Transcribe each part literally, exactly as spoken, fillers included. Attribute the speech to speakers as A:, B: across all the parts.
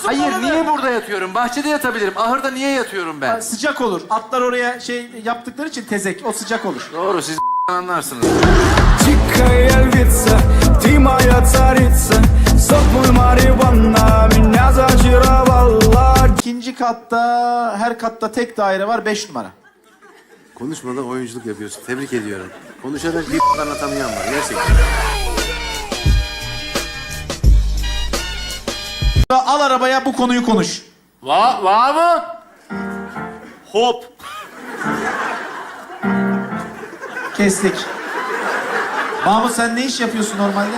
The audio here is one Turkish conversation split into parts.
A: Hayır, niye burada yatıyorum? Bahçede yatabilirim. Ahırda niye yatıyorum ben?
B: Ha, sıcak olur. Atlar oraya şey yaptıkları için tezek. O sıcak olur.
A: Doğru, siz anlarsınız.
C: Дикая львица, ты моя царица, сок мой марихуана, меня зачаровала.
B: İkinci katta, her katta tek daire var. Beş numara.
A: Konuşmadan oyunculuk yapıyorsun. Tebrik ediyorum. Konuşarak bir anlatamayan var. Gerçekten.
B: Al arabaya bu konuyu konuş.
D: Va, va mı? Hop.
B: Kestik. Mahmut sen ne iş yapıyorsun normalde?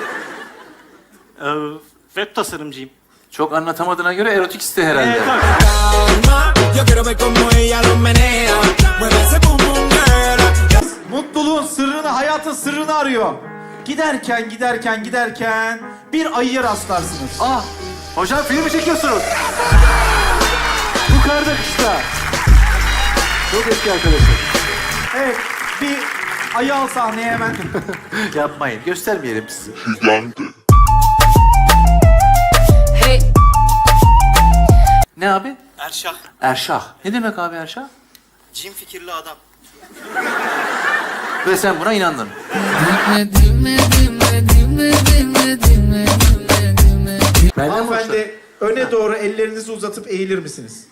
D: Ee, web tasarımcıyım.
A: Çok anlatamadığına göre erotik iste herhalde.
D: Evet, tabii.
C: Yo quiero ver cómo ella lo menea, mueve ese bum bum girl.
B: Mutluluğun sırrını, hayatın sırrını arıyor. Giderken, giderken, giderken bir ayıya rastlarsınız.
A: Ah! Hocam film mi çekiyorsunuz? Bu karda kışta. Çok eski arkadaşım.
B: Evet, bir ayı al sahneye hemen.
A: Yapmayın, göstermeyelim sizi.
E: Hey,
A: Ne abi?
D: Erşah.
A: Erşah. Ne demek abi Erşah?
D: Cin fikirli adam.
A: Ve sen buna inandın. Benden mi hoşlandın?
B: Hanımefendi, öne doğru ellerinizi uzatıp eğilir misiniz?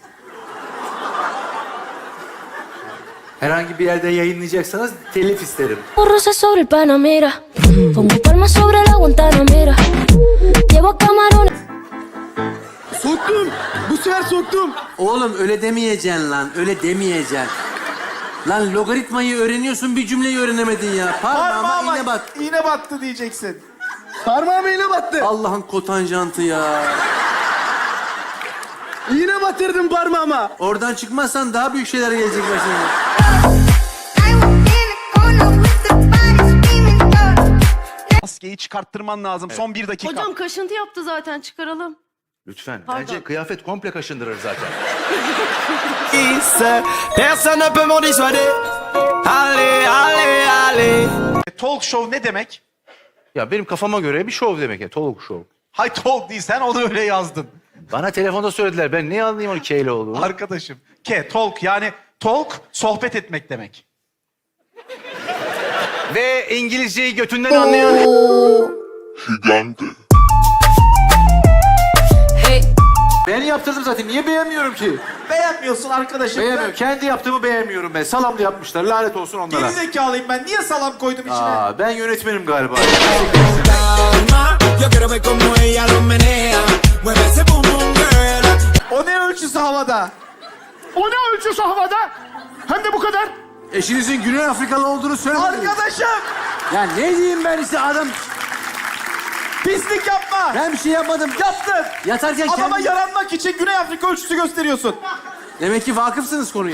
A: Herhangi bir yerde yayınlayacaksanız telif isterim.
E: Rosa sobre el Panamera. Pongo palmas sobre la Guantanamera. Llevo camarones.
C: Soktum, bu sefer soktum.
A: Oğlum öyle demeyeceksin lan, öyle demeyeceksin. Lan logaritmayı öğreniyorsun, bir cümleyi öğrenemedin ya. Parmağıma
B: Parmağıma
A: iğne bat.
B: iğne battı diyeceksin.
C: Parmağım iğne battı.
A: Allah'ın kotanjantı ya.
C: İğne batırdım parmağıma.
A: Oradan çıkmazsan daha büyük şeyler gelecek başına.
F: Maskeyi çıkarttırman lazım. Son bir dakika.
G: Hocam kaşıntı yaptı zaten, çıkaralım.
H: Lütfen.
G: Pardon.
H: Bence kıyafet komple kaşındırır zaten.
C: Personne ne peut m'en dissuader. Allez, allez, allez.
F: Talk show ne demek?
H: Ya benim kafama göre bir şov demek ya. Talk show.
F: Hay talk değil, sen onu öyle yazdın.
H: Bana telefonda söylediler. Ben ne anlayayım onu K ile olduğunu.
F: Arkadaşım. Ke, talk yani talk, sohbet etmek demek.
H: Ve İngilizceyi götünden anlayan...
E: Hey,
A: Ben yaptırdım zaten, niye beğenmiyorum ki?
B: Beğenmiyorsun arkadaşım.
A: Beğenmiyorum, kendi yaptığımı beğenmiyorum ben. Salamlı yapmışlar, lanet olsun
B: Ben
A: onlara.
B: gerizekalıyım ben. Niye salam koydum içine?
A: Aa, ben yönetmenim galiba.
C: Yo quiero ver cómo ella lo menea, mueve ese bum bum girl.
B: O ne ölçüsü havada?
D: O ne ölçüsü havada? Hem de bu kadar.
A: Eşinizin Güney Afrikalı olduğunu söylemediniz.
B: Arkadaşım!
A: Ya ne diyeyim ben işte adam...
B: Pislik yapma!
A: Ben bir şey yapmadım.
B: Yaptın!
A: Yatarken
B: Adama
A: kendi...
B: yaranmak için Güney Afrika ölçüsü gösteriyorsun.
A: Demek ki vakıfsınız konuya.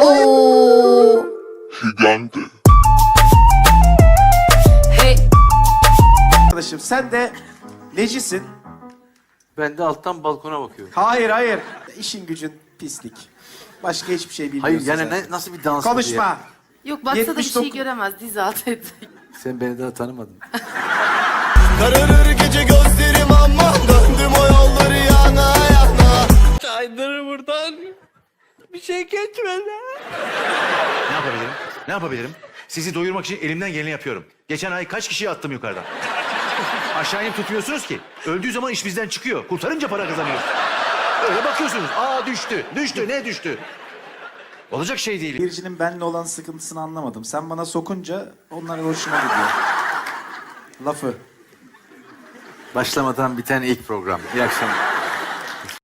E: hey,
B: Arkadaşım sen de necisin?
A: Ben de alttan balkona bakıyorum.
B: Hayır hayır. İşin gücün pislik. Başka hiçbir şey bilmiyorsun
A: Hayır yani
B: sen.
A: ne, nasıl bir dans bu diye.
B: Konuşma.
G: Yok baksa da bir
B: yetmiş
G: şey
B: dokuz
G: göremez, diz altı edecek.
A: Sen beni daha tanımadın.
C: Kararır gece gözlerim aman, döndüm o yolları yana yana. Kaydır buradan, bir şey geçmedi.
H: Ne yapabilirim? Ne yapabilirim? Sizi doyurmak için elimden geleni yapıyorum. Geçen ay kaç kişiyi attım yukarıdan? Aşağı inip tutmuyorsunuz ki. Öldüğü zaman iş bizden çıkıyor. Kurtarınca para kazanıyoruz. Öyle bakıyorsunuz. Aa düştü. Düştü. Ne düştü? Olacak şey değil.
B: Biricinin benimle olan sıkıntısını anlamadım. Sen bana sokunca onlar hoşuma gidiyor. Lafı.
A: Başlamadan biten ilk program. İyi akşamlar.